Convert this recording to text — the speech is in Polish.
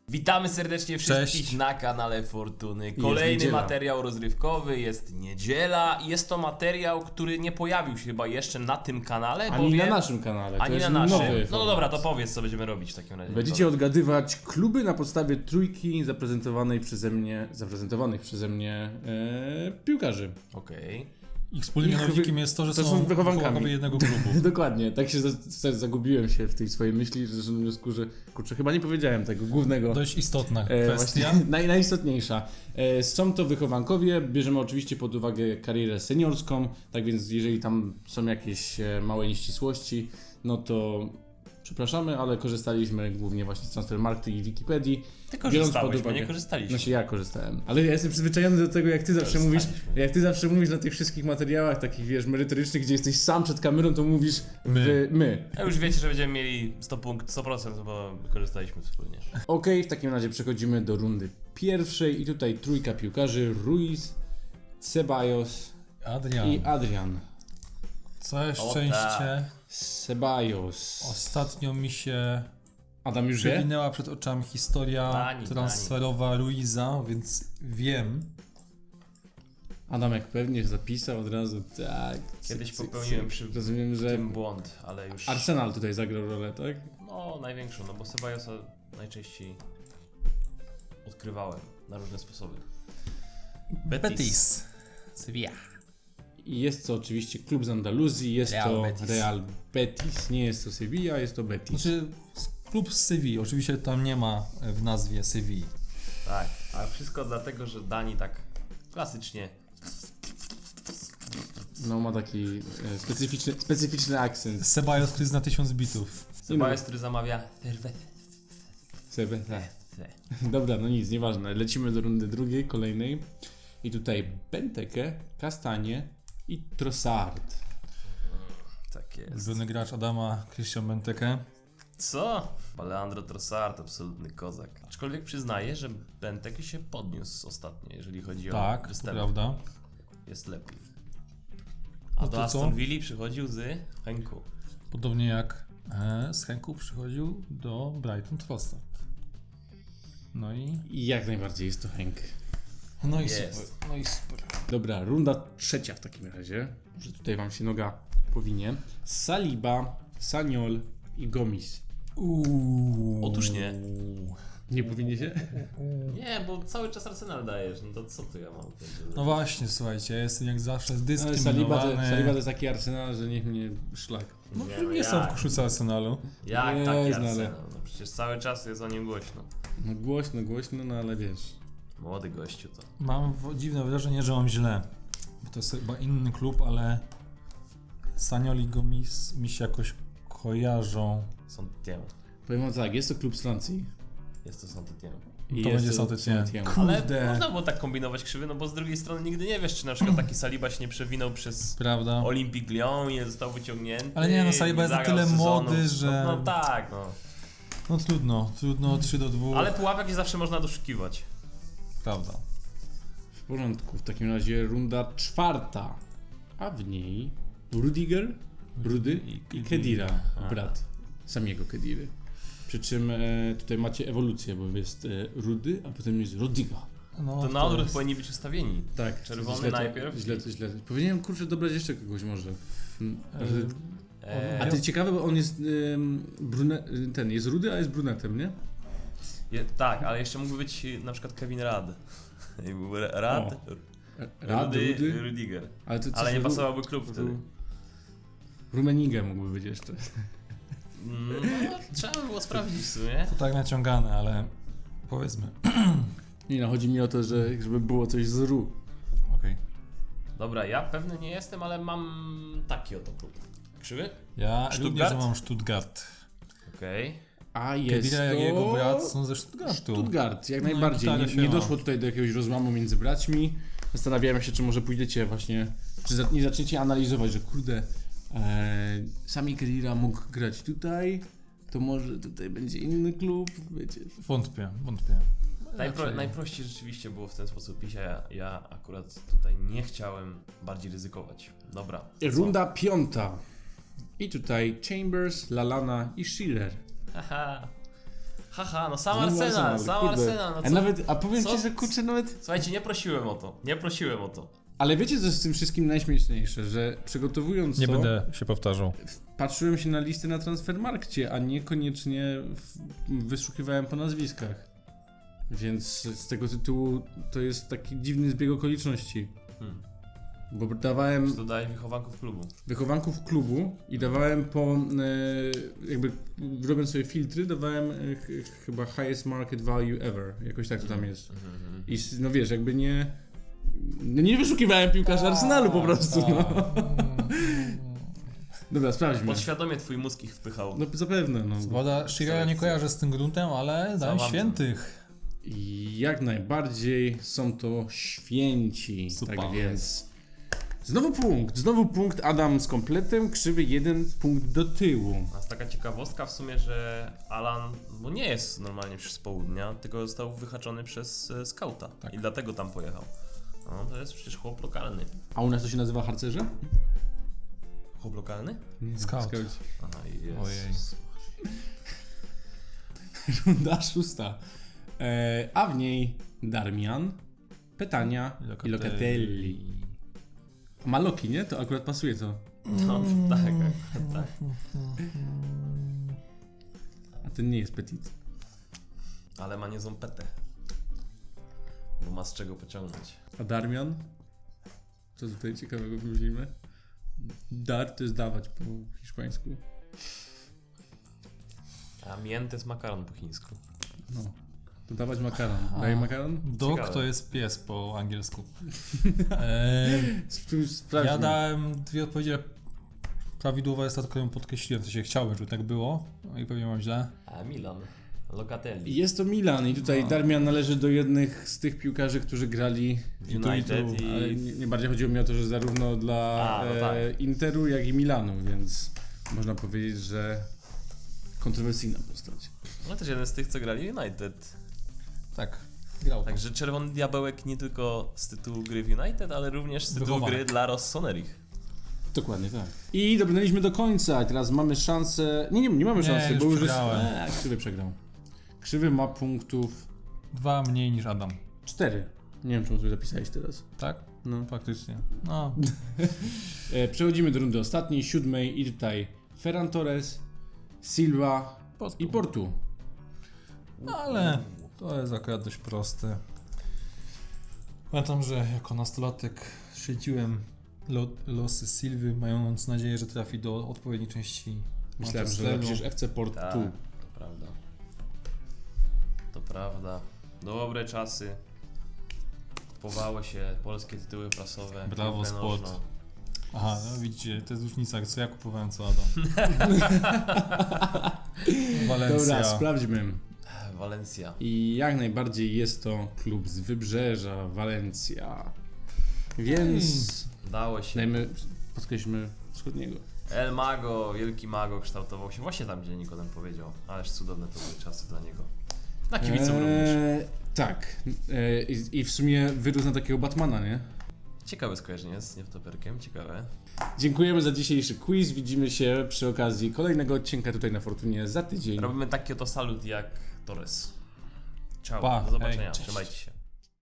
Witamy serdecznie wszystkich Cześć. na kanale Fortuny. Kolejny materiał rozrywkowy, jest niedziela i jest to materiał, który nie pojawił się chyba jeszcze na tym kanale. Ani na naszym kanale. To Ani jest na naszym. nowy No format. dobra, to powiedz, co będziemy robić w takim razie. Będziecie odgadywać kluby na podstawie trójki zaprezentowanych przeze mnie piłkarzy. Okej. Ich wspólnym mianownikiem jest to, że to są są wychowankami wychowankowie jednego klubu. Dokładnie, tak się zagubiłem się w tej swojej myśli, że doszedłem do wniosku, że kurczę, chyba nie powiedziałem tego głównego. Dość istotna kwestia. Najistotniejsza. Są to wychowankowie, bierzemy oczywiście pod uwagę karierę seniorską, tak więc jeżeli tam są jakieś małe nieścisłości, no to przepraszamy, ale korzystaliśmy głównie właśnie z Transfermarktu i Wikipedii. Ty korzystałeś, my nie korzystaliśmy. Znaczy ja korzystałem, ale ja jestem przyzwyczajony do tego, jak ty zawsze mówisz na tych wszystkich materiałach takich, wiesz, merytorycznych, gdzie jesteś sam przed kamerą, to mówisz my. A już wiecie, że będziemy mieli 100%, bo korzystaliśmy wspólnie. Okej, w takim razie przechodzimy do rundy pierwszej i tutaj trójka piłkarzy: Ruiz, Ceballos i Adrian. Całe szczęście. Ceballos. Ostatnio mi się Adam już wie? przewinęła przed oczami historia Dani. transferowa Ruiza, więc wiem. Adamek pewnie zapisał od razu, tak. Kiedyś popełniłem przy Rozumiem, że tym błąd, ale już... Arsenal tutaj zagrał rolę, tak? No, największą, no bo Ceballosa najczęściej odkrywałem na różne sposoby. Betis. Sevilla. I jest to oczywiście klub z Andaluzji, jest Real to Betis. Real Betis, nie jest to Sevilla, jest to Betis. Znaczy klub z Sevilla, oczywiście tam nie ma w nazwie Sevilla. Tak, a wszystko dlatego, że Dani tak klasycznie No ma taki specyficzny akcent. Ceballos, który zna 1000 bitów. Ceballos, który zamawia Dobra, no nic, nieważne. Lecimy do rundy drugiej, kolejnej. I tutaj Benteke, Kastanie i Trossard. Tak jest. Ulubiony gracz Adama, Christian Benteke. Co? Leandro Trossard, absolutny kozak. Aczkolwiek przyznaję, że Benteke się podniósł ostatnio, jeżeli chodzi o Tak, to występ. prawda. Jest lepiej. A No do to Aston co? Villa przychodził z Henku. Podobnie jak z Henku przychodził do Brighton Trossard. No i... I jak najbardziej jest to Henk. No i Jest. super. No i super. Dobra, runda trzecia w takim razie. Może tutaj wam się noga powinie. Saliba, Saniol i Gomis. Otóż nie. Nie powinie się? Nie, bo cały czas Arsenal dajesz, no to co tu ja mam? No właśnie, słuchajcie, ja jestem jak zawsze Ale zdyskryminowany. Saliba to jest taki Arsenal, że niech mnie szlak. No Nie, nie są w jak? koszulce Arsenalu. Jak Nie, taki znale. Arsenal? No przecież cały czas jest o nim głośno. No głośno, no ale wiesz. Młody gościu to. Mam dziwne wrażenie, że mam źle. Bo to jest chyba inny klub, ale Saniol i Gomis mi się jakoś kojarzą. Saint-Étienne. Powiem wam tak, jest to klub z Francji. Jest to Saint-Étienne. I To jest będzie Saint-Étienne. Saint-Étienne. Ale Kurde. można było tak kombinować krzywy, no bo z drugiej strony nigdy nie wiesz, czy na przykład taki Saliba się nie przewinął przez Prawda? Olympique Lyon i nie został wyciągnięty. Ale nie, no Saliba jest na zagrał tyle sezonu. młody, że... No tak, no. No trudno 3-2. Ale pułapek nie zawsze można doszukiwać. Prawda. W porządku, w takim razie runda czwarta. A w niej Rudiger, Rudy i Kedira, brat samego Kediry. Przy czym tutaj macie ewolucję, bo jest Rudy, a potem jest Rudiger. No, To na odwrót jest- powinni być ustawieni. Tak, Czerwony najpierw. Źle. Powinienem kurczę dobrać jeszcze kogoś może. A Eee, ty ciekawe, bo on jest jest Rudy, a jest brunetem, nie? tak, ale jeszcze mógłby być na przykład Kevin Rad. I był Rad, Rudy, Rudiger. Ale, to Ale nie pasowałby klub wtedy. Rummenigge mógłby być jeszcze. No, trzeba by było sprawdzić w sumie. To tak naciągane, ale powiedzmy. Nie no, chodzi mi o to, że żeby było coś z Ru. Okej. Dobra, ja pewny nie jestem, ale mam taki oto klub. Krzywy? Ja Stuttgart? również mam Stuttgart. Okej. A jest Kedira to... jak jego brat są ze Stuttgartu. Stuttgart, jak No i najbardziej. gitara Nie się ma. doszło tutaj do jakiegoś rozłamu między braćmi. Zastanawiałem się, czy może pójdziecie właśnie, czy nie zaczniecie analizować, że kurde, sami Kedira mógł grać tutaj, to może tutaj będzie inny klub, wiecie. Wątpię. Raczej. Najprościej rzeczywiście było w ten sposób pić, a ja akurat tutaj nie chciałem bardziej ryzykować. Dobra. co? Runda piąta. I tutaj Chambers, Lallana i Shearer. Haha. Haha, no sam Znowu Arsenal, kurde. Arsenal, no co? A powiem co? ci, że kurczę nawet... Słuchajcie, nie prosiłem o to. Ale wiecie co jest z tym wszystkim najśmieszniejsze, że przygotowując Nie to, będę się powtarzał. patrzyłem się na listy na Transfermarkcie, a niekoniecznie wyszukiwałem po nazwiskach. Więc z tego tytułu to jest taki dziwny zbieg okoliczności. Bo dawałem Dodaję wychowanków klubu. wychowanków klubu i dawałem po, jakby robiąc sobie filtry, dawałem chyba highest market value ever, jakoś tak to tam jest. I no wiesz, jakby nie wyszukiwałem piłkarza Arsenalu po prostu, no. Dobra, sprawdźmy. Podświadomie twój mózg ich wpychał. No zapewne, no. Woda Shiraya nie kojarzę z tym gruntem, ale dałem Załamam. świętych. I jak najbardziej są to święci, Super. tak więc... Znowu punkt, Adam z kompletem, krzywy 1 punkt do tyłu. A jest taka ciekawostka w sumie, że Alan no nie jest normalnie przez południa, tylko został wyhaczony przez skauta. Tak. I dlatego tam pojechał. No to jest przecież chłop lokalny. A u nas to się nazywa harcerze? Chłop lokalny? Scout. Skauci. Aha, Ojej. Runda 6. A w niej Darmian, Petania i Locatelli. Ma Loki, nie? To akurat pasuje to. No, tak. A ten nie jest Petit. Ale ma niezłą petę. Bo ma z czego pociągnąć. A Darmian? Co tutaj ciekawego wrócimy? Dar to jest dawać po hiszpańsku. A mięty jest makaron po chińsku. No. To dawać makaron. Daje makaron? Dog Ciekawe. to jest pies po angielsku. Sprawdźmy. Ja dałem dwie odpowiedzi, ale prawidłowa jest ta, którą podkreśliłem, co się chciałem, żeby tak było. No i pewnie mam źle. A Milan. Locatelli. Jest to Milan i tutaj No. Darmian należy do jednych z tych piłkarzy, którzy grali United i... ale nie bardziej chodziło mi o to, że zarówno dla no tak. Interu, jak i Milanu, więc można powiedzieć, że kontrowersyjna postać. No też jeden z tych, co grali United. Tak, grał. Także Czerwony Diabełek nie tylko z tytułu gry w United, ale również z tytułu Wychowanek. gry dla Rossoneri. Dokładnie tak. I dobrnęliśmy do końca, teraz mamy szansę... Nie mamy szansy, już bo już jest... przegrałem. Krzywy przegrał. Krzywy ma punktów 2 mniej niż Adam. 4. Nie wiem, czemu sobie zapisałeś teraz. Tak? No. Faktycznie. No. Przechodzimy do rundy ostatniej, 7 i tutaj Ferran Torres, Silva i Portu. Ale to jest akurat dość proste. Pamiętam, że jako nastolatek śledziłem losy Silwy, mając nadzieję, że trafi do odpowiedniej części Myślałem, że Manchesteru. napiszesz FC Portu. Tak, to prawda. To prawda. Dobre czasy. Kupowało się polskie tytuły prasowe. Brawo, piłkę Sport. nożną. Aha, no widzicie, to jest różnica, co ja kupowałem, co Adam. Walencja. Dobra, sprawdźmy. Walencja. I jak najbardziej jest to klub z Wybrzeża, Walencja. Więc Dało się. podkreślmy wschodniego. El Mago, wielki Mago kształtował się właśnie tam, gdzie Nikodem powiedział. Ależ cudowne to były czasy dla niego. Na kibiców również. Tak. I w sumie wyrósł na takiego Batmana, nie? Ciekawe skojarzenie z niewtoperkiem, ciekawe. Dziękujemy za dzisiejszy quiz. Widzimy się przy okazji kolejnego odcinka tutaj na Fortunie za tydzień. Robimy taki oto salut jak Torres. Ciao, Pa, do zobaczenia, hej, cześć. trzymajcie się.